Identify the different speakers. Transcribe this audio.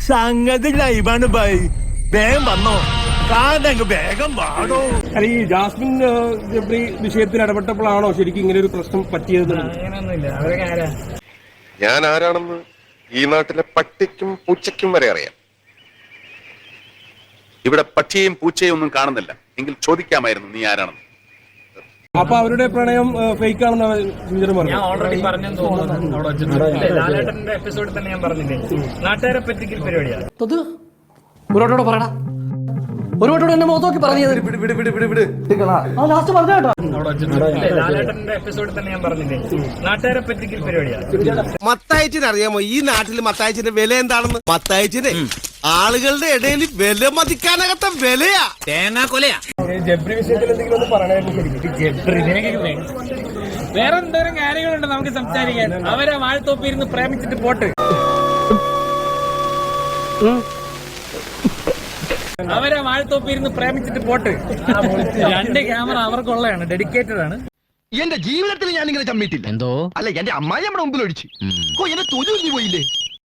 Speaker 1: സംഗതി ലൈവാണ് ബൈ. വേഗം വന്നോ, കാണ്ടങ്ങ് വേഗം വാടോ.
Speaker 2: അല്ല, ഈ ജാസ്മിൻ ജബ്രി വിഷയത്തിൽ ഇടപെട്ടപ്പോഴാണോ ശരിക്കും ഇങ്ങനെ ഒരു പ്രശ്നം പറ്റിയത്?
Speaker 3: ഞാൻ ആരാണെന്ന് ഈ നാട്ടിലെ പട്ടിക്കും പൂച്ചയ്ക്കും വരെ അറിയാം. ഇവിടെ പട്ടിയെയും പൂച്ചയും ഒന്നും കാണുന്നില്ല. എങ്കിൽ ചോദിക്കാമായിരുന്നു നീ ആരാണെന്ന്.
Speaker 2: അപ്പൊ അവരുടെ പ്രണയം ഫേക്ക് ആണെന്നാണ് സുനിചരൻ പറഞ്ഞത്.
Speaker 4: ഞാൻ ഓൾറെഡി പറഞ്ഞെന്ന് തോന്നുന്നു. ലാലേട്ടന്റെ എപ്പിസോഡിൽ തന്നെ ഞാൻ പറഞ്ഞില്ലേ, നാട്ടുകാരെ പറ്റിക്കൽ പരിപാടിയാണ്.
Speaker 5: ഒരുവട്ടോടെ പറയടാ, ഒരുവട്ടോടെ എന്നെ മുഖത്തോക്കി പറഞ്ഞത് ലാസ്റ്റ് പറഞ്ഞ കേട്ടോ.
Speaker 4: ലാലേട്ടന്റെ എപ്പിസോഡിൽ തന്നെ ഞാൻ പറഞ്ഞില്ലേ, നാട്ടുകാരെ പറ്റിക്കൽ പരിപാടിയാണ്.
Speaker 6: മത്തായച്ചിന് അറിയാമോ ഈ നാട്ടിൽ മത്തായച്ചിന്റെ വില എന്താണെന്ന്? മത്തായച്ചിന് ആളുകളുടെ ഇടയിൽ വില മതിക്കാനകത്ത വിലയാ, തേങ്ങാ കൊലയാ.
Speaker 2: ജബ്രി വിഷയത്തിൽ എന്തെങ്കിലും ഒന്ന് പറയണായിരുന്നു ശരിക്കും.
Speaker 4: വേറെ എന്തോരം കാര്യങ്ങളുണ്ട് നമുക്ക് സംസാരിക്കാൻ. അവരെ വാഴത്തോപ്പിരുന്ന് പ്രേമിച്ചിട്ട് പോട്ട്, അവരെ വാഴത്തോപ്പിരുന്ന് പ്രേമിച്ചിട്ട് പോട്ട്. 2 ക്യാമറ അവർക്കുള്ളതാണ്, ഡെഡിക്കേറ്റഡ് ആണ്.
Speaker 6: എന്റെ ജീവിതത്തിൽ ഞാൻ ഇങ്ങനെ ചമ്മിട്ടില്ല. എന്തോ അല്ല, എന്റെ അമ്മായി നമ്മുടെ മുമ്പിൽ ഒഴിച്ചു. എന്നെ തൊഴിൽ പോയില്ലേ.